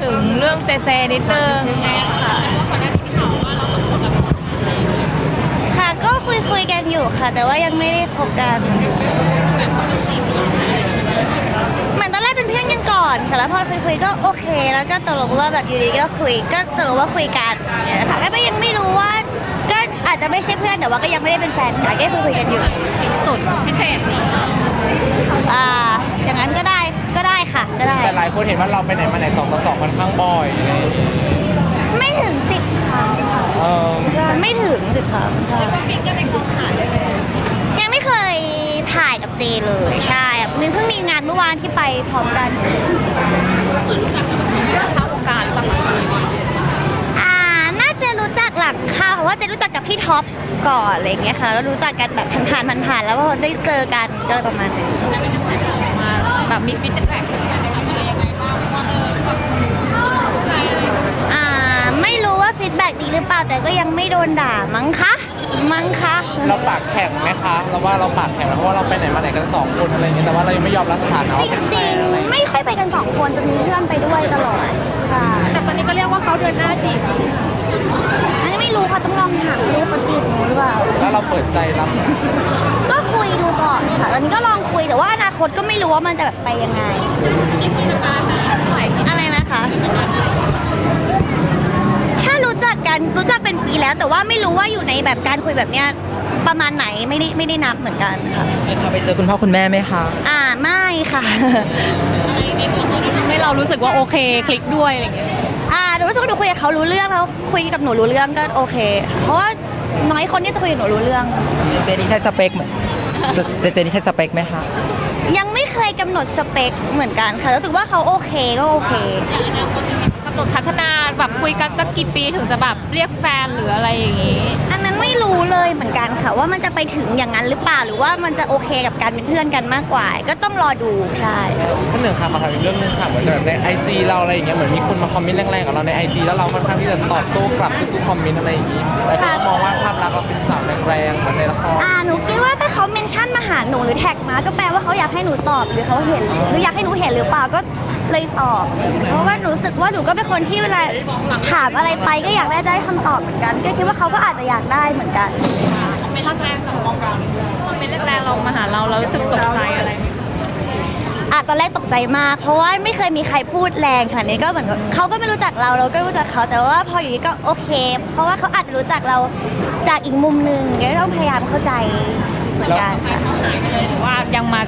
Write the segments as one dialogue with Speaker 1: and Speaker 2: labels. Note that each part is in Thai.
Speaker 1: ถึงเรื่องเจเจนิดนึงไงค่ะก่อนหน้านี้พี่ถามว่าเราสองคนแบบ
Speaker 2: ค่ะก็คุยกันอยู่ค่ะ แต่ว่ายังไม่ได้คบกันเหมือนตอนแรกเป็นเพื่อนกันก่อนค่ะแล้วพอคุยก็โอเค แล้วก็ตกลงว่าแบบอยู่ดีก็คุยก็ตกลงว่าคุยกันค่ะก็ยังไม่รู้ว่าก็อาจจะไม่ใช่เพื่อนแต่ว่าก็ยังไม่ได้เป็นแฟนกันก็คุยกันอยู่
Speaker 1: สุดพิเศษ
Speaker 2: อย่างนั้นก็ได้ค่ะก็ได้
Speaker 3: แต่หลายคนเห็นว่าเราไปไหนมาไหน2 ต่อ 2ค่อนข้างบ่อยอะไรอย่างเงี้ย
Speaker 2: ไม่ถึง10 ครั้งค่ะไม่ถึง10 ครั้งค่ะ
Speaker 1: บิ๊กก็ในกองถ่ายได้ไหม
Speaker 2: ยังไม่เคยถ่ายกับเจเลยใช่เพิ่งมีงานเมื่อวานที่ไปพร้อมกัน
Speaker 1: รู้จักกับเข้าวงการหรือเปล่า
Speaker 2: น่าจะรู้จักหลังค่ะเพราะว่าจะรู้จักกับพี่ท็อปก่อนอะไรเงี้ยค่ะแล้วรู้จักกันแบบผ่านแล้วพอได้เจอกันก็เลยประมาณนี้
Speaker 1: มาแบบมีฟีดแบ็กอะไรยังไงบ้างว่าถูกใจอะไร
Speaker 2: ไม่รู้ว่าฟีดแบ็กดีหรือเปล่าแต่ก็ยังไม่โดนด่ามั้งคะ
Speaker 3: เราปากแข็งไหมคะเราว่าเราปากแข็งเพราะว่าเราไปไหนมาไหนกัน2 คนอะไรอย่างเงี้ยแต่ว่าเรายังไม่ยอมรับสถานะว่าเป็นแฟนอะไร
Speaker 2: ไม่ค่อยไปกัน2 คนจะมีเพื่อนไปด้วยตลอดค่ะ
Speaker 1: แต่ตอนนี้ก็เรียกว่าเขาเดินหน้าจีบ
Speaker 2: อันนี้ไม่รู้ค่ะต้องลองถามรู้เขาจีบหนูหรือเปล่า
Speaker 3: แล้วเราเปิดใจรับ
Speaker 2: ก็คุยดูก่อนค่ะตอนนี้ก็ลองคุยแต่ว่าอนาคตก็ไม่รู้ว่ามันจะแบบไปยังไงอะไรนะคะถ้ารู้จักเป็นปีแล้วแต่ว่าไม่รู้ว่าอยู่ในแบบการคุยแบบเนี้ยประมาณไหนไม่ได้นับเหมือนกันค่ะ
Speaker 3: พาไปเจอคุณพ่อคุณแม่ไหมคะ
Speaker 2: ไม่ค่ะ
Speaker 1: ให้เรารู้สึกว่าโอเคคลิกด้วยอะไรอย่างเงี้ย
Speaker 2: หนูรู้สึกว่าหนูคุยกับเขารู้เรื่องแล้วคุยกับหนูรู้เรื่องก็โอเคเพราะว่าน้อยคนที่จะคุยกับหนูรู้เรื่อง
Speaker 3: เจนี่ใช่สเปคไหมเจนี่ใช่สเปคไหมคะ
Speaker 2: ยังไม่เคยกำหนดสเปคเหมือนกันค่ะรู้สึกว่าเขาโอเคก็โอเค
Speaker 1: กำหนดพัฒนาแบบคุยกันสักกี่ปีถึงจะแบบเรียกแฟนหรืออะไรอย่างงี้
Speaker 2: อันนั้นไม่รู้เลยเหมือนกันค่ะว่ามันจะไปถึงอย่างนั้นหรือเปล่าหรือว่ามันจะโอเคกับการเป็นเพื่อนกันมากกว่าก็ต้องรอดูใช่
Speaker 3: ท่านหนึ่งค่ะขอถามอีกเรื่องนึงค่ะเหมือนแบบใน IG เราอะไรอย่างเงี้ยเหมือนมีคนมาคอมเมนต์แรงๆกับเราใน IG แล้วเราค่อนข้างที่จะตอบโต้กลับทุกๆคอมเมนต์อะไรอย่างงี้แต่เขามองว่าภาพลักษณ์เราเป็นสาวแรงๆเหมือนในละคร
Speaker 2: หนูคิดว่าถ้าเขาเมนชั่นมาหาหนูหรือแท็กมาก็แปลว่าเขาอยากให้หนูตอบหรือเขาเห็นหรืออยากให้หนูเห็นหรือเปล่าก็เลยตอบเพราะว่ารู้สึกว่าหนูก็เป็นคนที่เวลาถามอะไรไปก็อยากได้คำตอบเหมือนกันก็คิดว่าเขาก็อาจจะอยากได้เหมือนกัน
Speaker 1: เป็นแรงๆของการเป็นแรงๆเรามาหาเรารู้สึกตกใจอะไร
Speaker 2: ตอนแรกตกใจมากเพราะว่าไม่เคยมีใครพูดแรงขนาดนี้ก็เหมือนเขาก็ไม่รู้จักเราก็รู้จักเขาแต่ว่าพออยู่นี้ก็โอเคเพราะว่าเขาอาจจะรู้จักเราจากอีกมุมนึงก็ต้องพยายามเข้าใจเหมือนกันค่ะ
Speaker 1: หรือว่ายังมา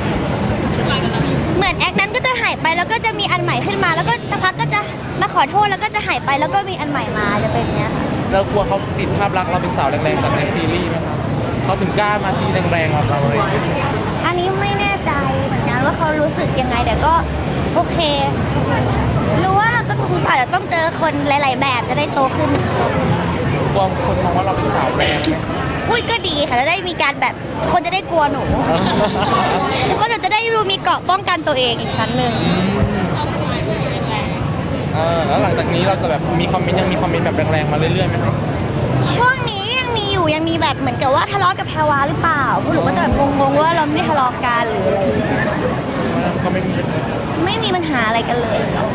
Speaker 2: เหมือนแอคนั้นก็จะหายไปแล้วก็จะมีอันใหม่ขึ้นมาแล้วก็สักพักก็จะมาขอโทษแล้วก็จะหายไปแล้วก็มีอันใหม่มาจะเป็นเนี้ย
Speaker 3: เรากลัวเขาติดภาพลักษณ์เราเป็นสาวแรงๆจากในซีรีส์ไหมครับเขาถึงกล้ามาทีแรงๆกับเราเลย
Speaker 2: อันนี้ไม่แน่ใจเหมือนกันว่าเขารู้สึกยังไงแต่ก็โอเครู้ว่าเราก็คงอาจจะต้องเจอคนหลายๆแบบจะได้โตขึ้น
Speaker 3: กลัวคนมองว่าเราเป็นสาวแรง
Speaker 2: อุ้ยก็ดีค่ะจะได้มีการแบบคนจะได้กลัวหนูก็จะได้มีเกราะป้องกันตัวเองอีกชั้นหนึ่ง
Speaker 3: แล้วหลังจากนี้เราจะแบบมีคอมเมนต์ยังมีคอมเมนต์แบบแรงๆมาเรื่อยๆไหมครับ
Speaker 2: ช่วงนี้ยังมีอยู่ยังมีแบบเหมือนกับว่าทะเลาะกับแพรวาหรือเปล่าพวกหนูก็จะแบบงงๆว่าเราไม่ได้ทะเลาะกันหรืออะไร
Speaker 3: ก็ไม่มี
Speaker 2: ปัญหาอะไรกันเลย